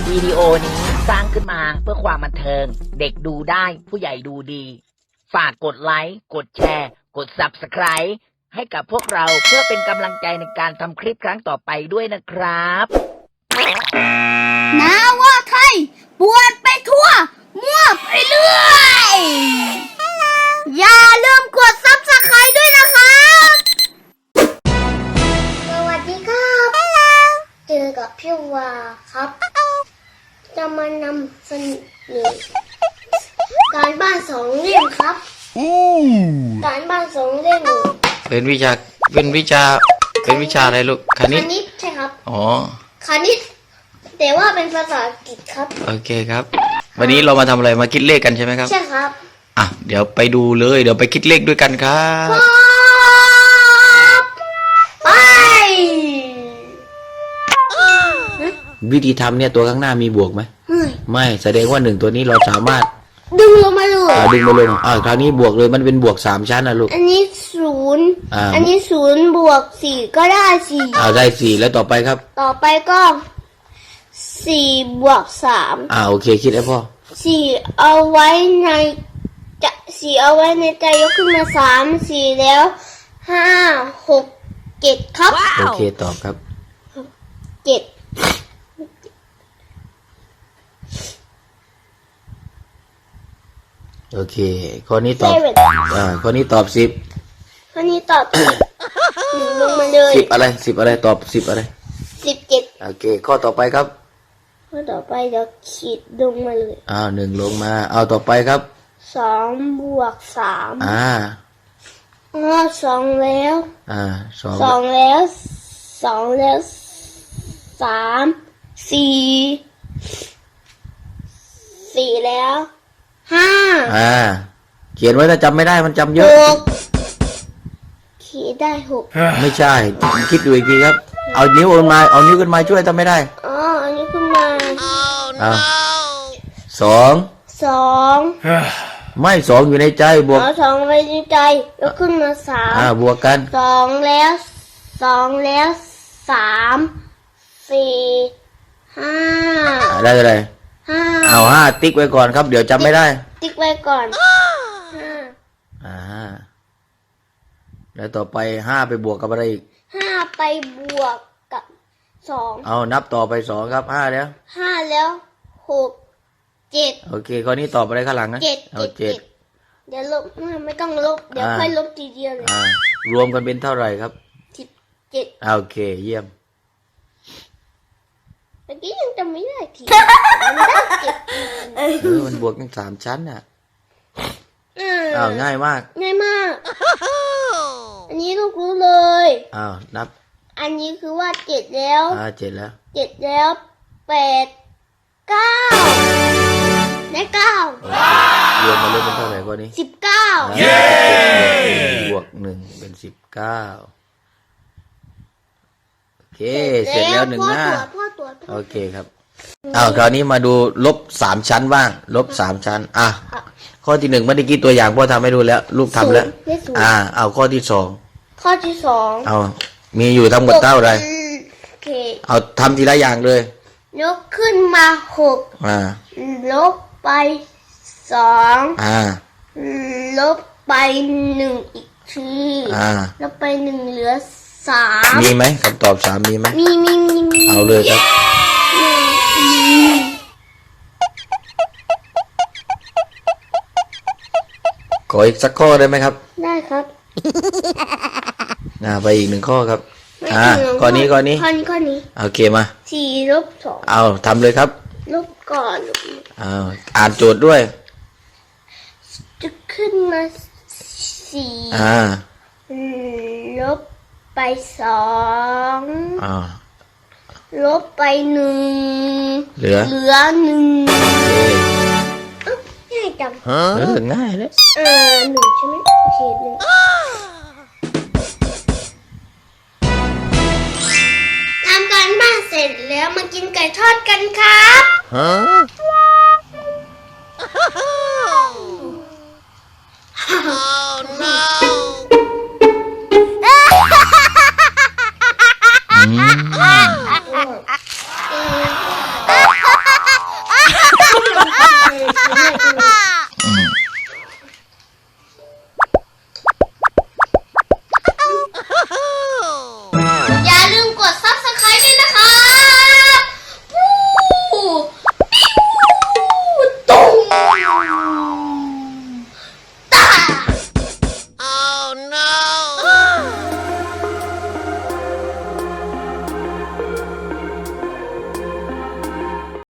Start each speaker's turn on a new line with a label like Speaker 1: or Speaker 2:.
Speaker 1: วิดีโอนี้สร้างขึ้นมาเพื่อความบันเทิงเด็กดูได้ผู้ใหญ่ดูดีฝากกดไลค์กดแชร์กด Subscribe ให้กับพวกเราเพื่อเป็นกำลังใจในการทำคลิปครั้งต่อไปด้วยนะครับ
Speaker 2: นาว่าไทยปวดไปทั่วมั่วไปเรื่อยอย่าลืมกด Subscribe ด้วยนะครับสวัสดีครับเจอกับพี่วาครับจะมานำเสนอการบ้าน2 เล่มครับการบ้าน2 เล่ม
Speaker 3: เป็นวิชาอะไรลูกคณิต
Speaker 2: ใช่ครับ
Speaker 3: อ๋อ
Speaker 2: คณิตแต่ว่าเป็นภาษาอังกฤษครับ
Speaker 3: โอเคครับวันนี้เรามาทำอะไรมาคิดเลขกันใช่ไหมครับ
Speaker 2: ใช่ครับ
Speaker 3: อ่ะเดี๋ยวไปดูเลยเดี๋ยวไปคิดเลขด้วยกันครับ
Speaker 2: ไป
Speaker 3: วิธีทำเนี่ยตัวข้างหน้ามีบวกไหมไม่แสดงว่า1ตัวนี้เราสามารถ
Speaker 2: ดึงลงมาเลย
Speaker 3: ดึงมาลงคราวนี้บวกเลยมันเป็นบวก3ชั้นนะลูก
Speaker 2: อันนี้0อันนี้0บวก4ก็ได้4
Speaker 3: ได้4แล้วต่อไปครับ
Speaker 2: ต่อไปก็4บวก3
Speaker 3: โอเคคิดให้พ่อ
Speaker 2: 4เอาไว้ในใจยกขึ้นมา3 4แล้ว5 6 7ครับ
Speaker 3: โอเคตอบครับ
Speaker 2: 7
Speaker 3: โอเคข้อนี้ตอบข้อนี้ตอบ10
Speaker 2: ข้อนี้ตอบ10ลงมาเลย
Speaker 3: 10อะไรตอบ10อะไร
Speaker 2: 17
Speaker 3: โอเคข้อต่อไปครับ
Speaker 2: ข้อต่อไปเดี๋ยวขีดลงมาเลย
Speaker 3: 1ลงมาต่อไปครับ
Speaker 2: 2บวก32แล้ว2แล้ว3 4แล้ว
Speaker 3: 5เขียนไว้ถ้าจำไม่ได้มันจำเยอะ
Speaker 2: 6ขีดได้6
Speaker 3: ไม่ใช่คิดดูอีกทีครับเอานิ้วขึ้นมาช่วยทำไม่ได้
Speaker 2: อันนี้ขึ้นมา
Speaker 3: 2ไม่2อยู่ในใจบวก
Speaker 2: 2ไว้ในใจแล้วขึ้นมา3
Speaker 3: บวกกัน
Speaker 2: 2แล้ว3 4 5
Speaker 3: ได้เลย5ติ๊กไว้ก่อนครับเดี๋ยวจำไม่ได้
Speaker 2: ติ๊กไว้ก่อน
Speaker 3: แล้วต่อไป5ไปบวกกับอะไรอีก
Speaker 2: 5ไปบวกกับ2
Speaker 3: นับต่อไป2ครับ5แล้ว
Speaker 2: 6 7
Speaker 3: โอเคข้อนี้ตอบอะไรข้างหลังนะ
Speaker 2: 7เดี๋ยวลบไม่ต้องลบเดี๋ยวค่อยลบทีเดียวเลย
Speaker 3: รวมกันเป็นเท่าไหร่ครับ
Speaker 2: 17
Speaker 3: โอเคเยี่ยม
Speaker 2: เมื่อกี้ยังจำไม่ได้ที
Speaker 3: มันบวกทั้ง3ชั้นน่ะง่ายมาก
Speaker 2: อันนี้ก็รู้เลย
Speaker 3: นับ
Speaker 2: อันนี้คือว่า7แล้ว
Speaker 3: 7แล้ว
Speaker 2: 8 9ได้9
Speaker 3: รวมมาเลยเป็นเท่าไหร่ข้อนี้
Speaker 2: 19
Speaker 3: บวก1เป็น19โอเคเสร็จแล้ว1 หน้าโอเคครับคราวนี้มาดูลบ3ชั้นบ้างลบ3ชั้นข้อที่1เมื่อกี้ตัวอย่างพ่อทำให้ดูแล้วลูกทำแล้วข้อที่2มีอยู่ทั้งหมดเท่าไหร่ทำทีละอย่างเลย
Speaker 2: ยกขึ้นมา6ลบไป2ลบไป1อีกทีลบไป1เหลือ3
Speaker 3: มีไหมคำตอบ3มีไหม
Speaker 2: มี
Speaker 3: เอาเลยครับขออีกสักข้อได้ไหมครับ
Speaker 2: ได้ครับ
Speaker 3: ไปอีก1 ข้อครับข้อนี้โอเคมา
Speaker 2: 4ลบ2
Speaker 3: ทำเลยครับ
Speaker 2: ลบก่อน
Speaker 3: อ่านโจทย์ด้วย
Speaker 2: จะขึ้นมา4ลบไป2ลบไป1เหลือ1ง่ายจัง
Speaker 3: ง่ายเลย
Speaker 2: 1ใช่ไหมโอเค1ทำการบ้านเสร็จแล้วมากินไก่ทอดกันครับเลย